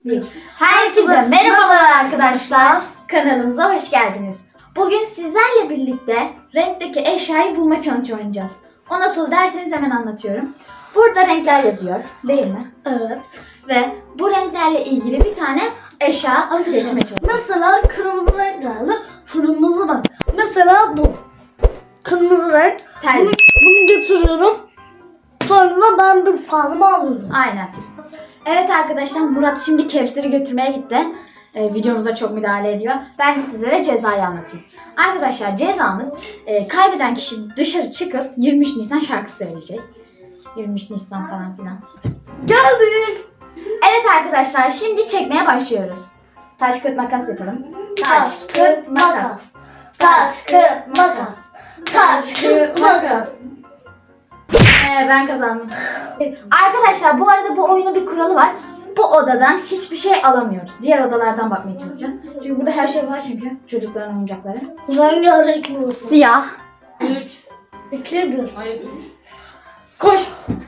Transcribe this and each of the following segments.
Herkese merhabalar arkadaşlar. Kanalımıza hoş geldiniz. Bugün sizlerle birlikte renkteki eşyayı bulma challenge oynayacağız. O nasıl derseniz hemen anlatıyorum. Burada renkler yazıyor, değil mi? Evet. Ve bu renklerle ilgili bir tane eşya getirmeye çalışacağız. Mesela kırmızı renk geldi. Kırmızı bak. Mesela bu. Kırmızı renk. Terlik. Bunu getiriyorum. Sonra da ben bir puanımı alıyorum. Aynen. Evet arkadaşlar, Murat şimdi Kevser'i götürmeye gitti. Videomuza çok müdahale ediyor. Ben de sizlere cezayı anlatayım. Arkadaşlar cezamız kaybeden kişi dışarı çıkıp 23 Nisan şarkısı söyleyecek. 23 Nisan falan filan. Geldik. Evet arkadaşlar, şimdi çekmeye başlıyoruz. Taş kağıt makas yapalım. Taş, kağıt, makas. Taş, kağıt, makas. Taş, kağıt, makas. Ben kazandım. Arkadaşlar bu arada bu oyunun bir kuralı var. Bu odadan hiçbir şey alamıyoruz. Diğer odalardan bakmaya çalışacağız. Çünkü burada her şey var çünkü. Çocukların oyuncakları. Rengarenk mi olsun? Siyah. 3. 2, 1. Hayır 3. Koş.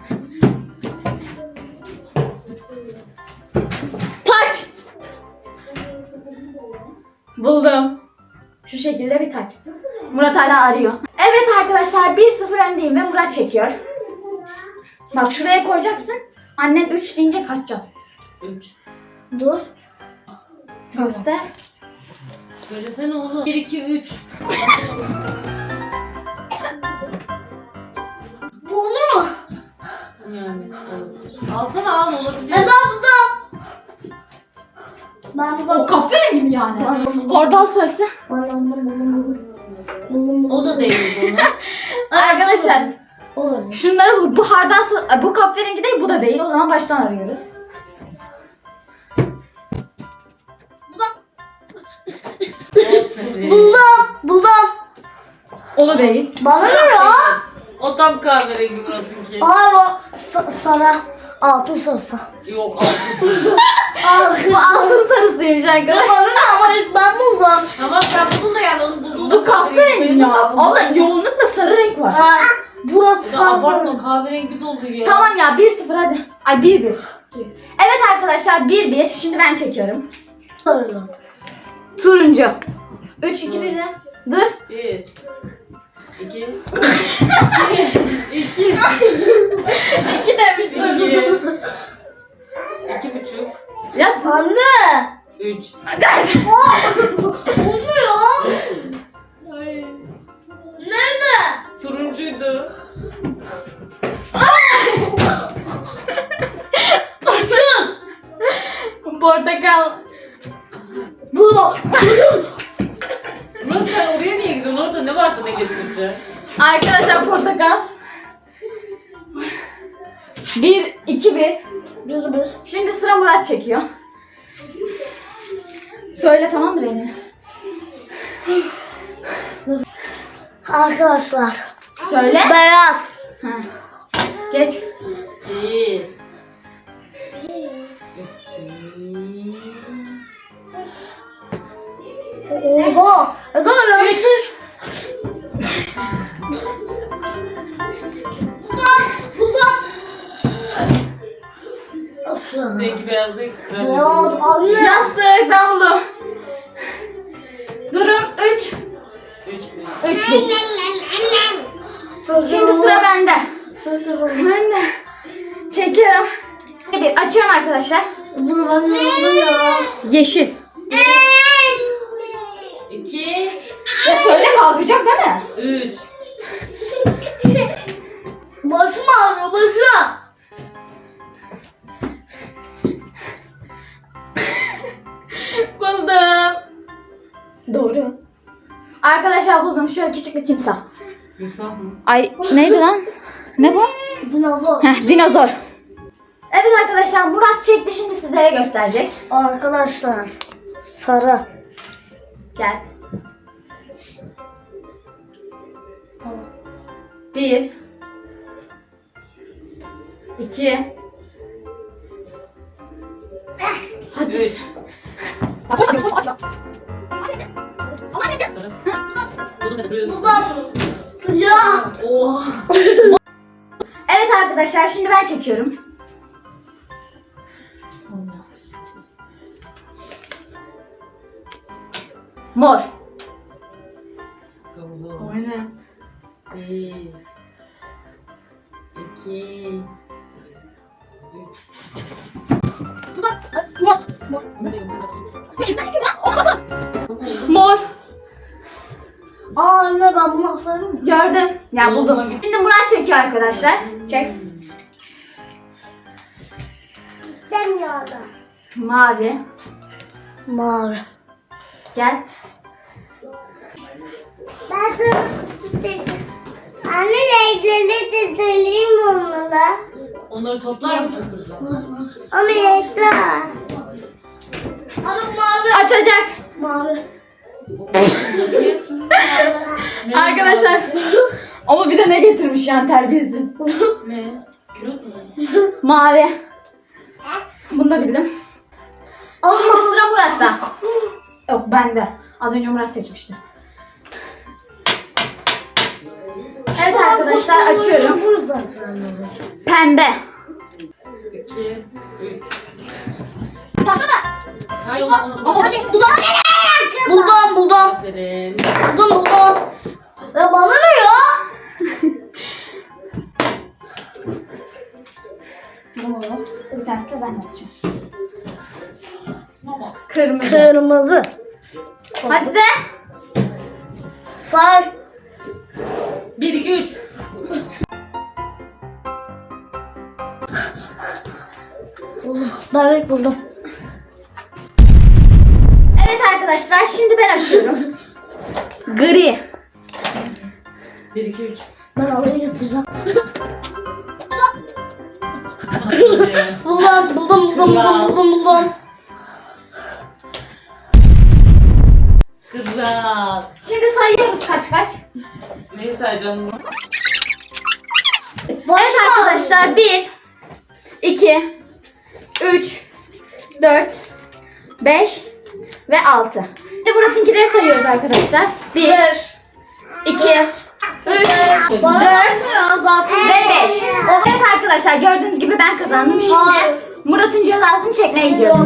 Taç. Buldum. Şu şekilde bir taç. Murat hala arıyor. Evet arkadaşlar 1-0 öndeyim ve Murat çekiyor. Bak şuraya koyacaksın. Annen 3 deyince kaçacağız. 3. Dur. Göster. Söylesene oğlum. 1, 2, 3. Bu olur mu? Yani olabilir. Alsana al olabilir. Eda burada. Ben de O bak. kahverengi mi yani? Hardal sarısı. O da değil bunu. Arkadaşlar Olur. şunları bul. Bu hardal bu kahverengi değil, bu da değil. O zaman baştan arıyoruz. Aferin. Buldum. O da değil. Bana ne ya? O tam kahverengi Murat'ınki. Hayır o sana altın sarısı. Yok altısı. Bu altın sarısıymış arkadaşlar. Bana ne ama ilk ben buldum. Tamam sen buldun da yani onu bulduğun Bu kahverengi ya. Ama yoğunlukla sarı renk var. Ha, burası Ya abartma kahverengi. kahverengi doldu ya. Tamam ya 1-0 hadi. Ay 1-1. Evet arkadaşlar 1-1. Şimdi ben çekiyorum. Sarı. Turuncu. 3 2 1 de. Dur. 1. 2. 2. 2 demiştim. 2,5. Ya Anne. 3. Olmuyor. Nerede? Turuncuydu. Portakal. Bu. Murat sen oraya niye gidiyorsun? Orada ne vardı ne getireceksin? Arkadaşlar portakal. 1 2 1. Bir. Şimdi sıra Murat çekiyor. Söyle tamam mı rengi? Arkadaşlar. Söyle. Beyaz. Ha. Geç. 1. 2. Oha. Eda ya. 3. Buldum. Of ya. Zeki beyaz değil. Beyaz anne. Yastık ben buldum. Durun 3. 3. 3 1. Şimdi sıra bende. Çok güzel. Ben de çekiyorum. Bir açıyorum arkadaşlar. Bunu ben buldum ya. Yeşil. 2. Ya söyle kalkacak değil mi? 3. Başım ağrıyor başım. Buldum. Doğru. Arkadaşlar buldum. Şöyle küçük bir timsah. Timsah mı? Ay neydi lan? Ne bu? Dinozor. Heh, dinozor. Evet arkadaşlar Murat çekti, şimdi sizlere gösterecek. Arkadaşlar. Sarı. Gel. 1 2 Hadi. 3. Aç, aç, aç, aç. Sarı. Bunu da duruyorsun. Buldum. Ya. Oha. Evet arkadaşlar şimdi ben çekiyorum. Mor. Kavuz o. Aynen. 1 2 Mor. Aa anne ben bunu asarım mı? Gördüm. Ya Oğlum, buldum. bak- Şimdi Murat çekiyor arkadaşlar. Çek. İstemiyorum. Mavi. Mavi. Gel. Ben de anne renkleri de söyleyeyim onlara. Onları toplar mısın kızım? Ama renkler. Anne mavi. Açacak. Mavi. Arkadaşlar. Ama bir de ne getirmiş yani terbiyesiz. Ne? Külot mu? Mavi. Bunu da bildim. Şimdi sıra Murat'ta. Yok bende. Az önce Murat seçmişti. Evet arkadaşlar açıyorum. Pembe. 2 3 Tamam mı? Hayır onu. Buldum. Aferin. Buldum. Ya bana ne ya? Bir tanesi de ben yapacağım. Şuna bak. Kırmızı. Kırmızı. Hadi de. Sarı. 1 2 3 Ben ilk buldum. Evet arkadaşlar şimdi ben açıyorum. Gri. 1 2 3 Ben alayı getireceğim. Buldum. Kral. Şimdi sayıyoruz kaç. Neyi sayacağım? Evet arkadaşlar 1 2 3 4 5 ve 6. Şimdi Murat'ınkileri sayıyoruz arkadaşlar. 1 2 3 4 ve 5. Evet arkadaşlar gördüğünüz gibi ben kazandım. Şimdi Murat'ın cezasını çekmeye gidiyoruz.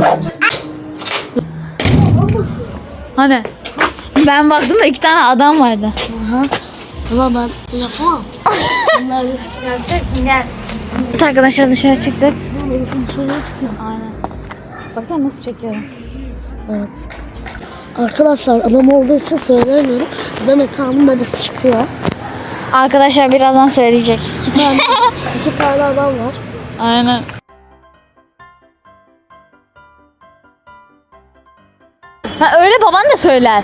Hani ben baktım da 2 tane adam vardı. Ulan ben yapamam. Bunlar Göreceksin gel. Evet arkadaşlar dışarı çıktık. Aynen. Baksana nasıl çekiyorum. Evet. Arkadaşlar adam olduğu için söylemiyorum. Demet Hanım babası çıkıyor. Arkadaşlar birazdan söyleyecek. İki tane adam var. Aynen. Ha öyle baban da söyler.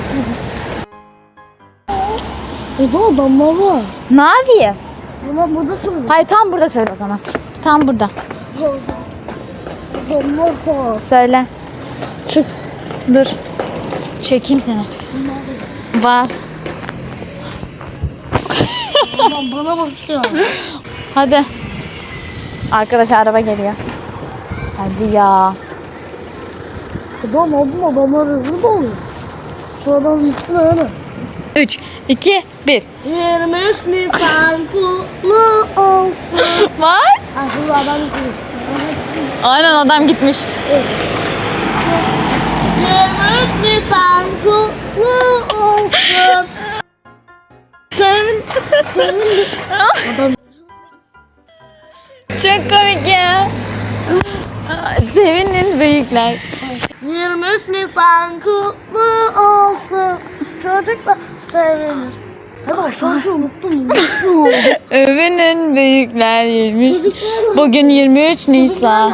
Bir de adamlar var. Ne yapayım? Ama burada söylüyor. Hayır tam burada söyle o zaman. Tam burada. Adamlar var. Söyle. Çık. Dur. Çekeyim seni. Var. Aman bana bakıyor. Hadi. Arkadaş araba geliyor. Hadi ya. Adamlar hızlı da oluyor. Şu adam gitsin öyle. 3, 2, 1. 23 Nisan kutlu olsun. Var. Ha şimdi adam gidiyor. Aynen adam gitmiş. 23 Nisan kutlu olsun. Sevin. Adam Çok komik ya. Sevinin büyükler. 23 Nisan kutlu olsun. Çocuklar sevinir. Hadi şarkıyı unuttum. Övünün büyükler 23. Bugün 23 Nisan.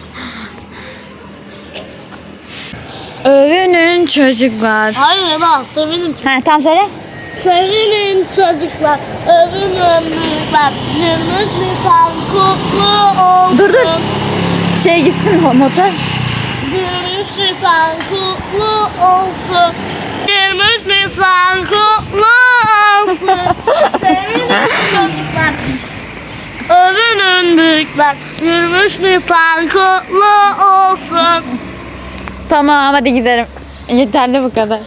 Övünün çocuklar. Hayır Eda sevinin. Ha tam söyle. Sevinin çocuklar. Övünün büyükler. 23 Nisan kutlu olsun. Dur. Şey gitsin motor. 23 Nisan kutlu olsun. 23 Nisan kutlu olsun. Sevinin çocuklar. Övünün büyükler. 23 Nisan kutlu olsun. Tamam hadi gidelim. Yeterli bu kadar.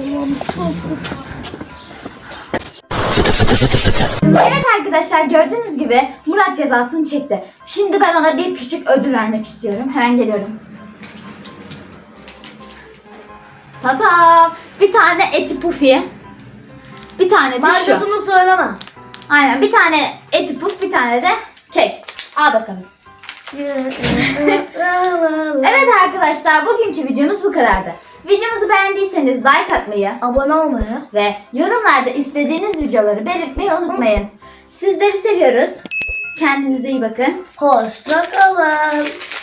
Evet arkadaşlar gördüğünüz gibi Murat cezasını çekti. Şimdi ben ona bir küçük ödül vermek istiyorum. Hemen geliyorum. Tatam. Bir tane eti pufi. Bir tane de şu. Markasını söyleme. Aynen, bir tane eti puf, bir tane de kek. Al bakalım. Evet arkadaşlar, bugünkü videomuz bu kadardı. Videomuzu beğendiyseniz like atmayı Abone olmayı. ve yorumlarda istediğiniz videoları belirtmeyi unutmayın. Sizleri seviyoruz. Kendinize iyi bakın. Hoşça kalın.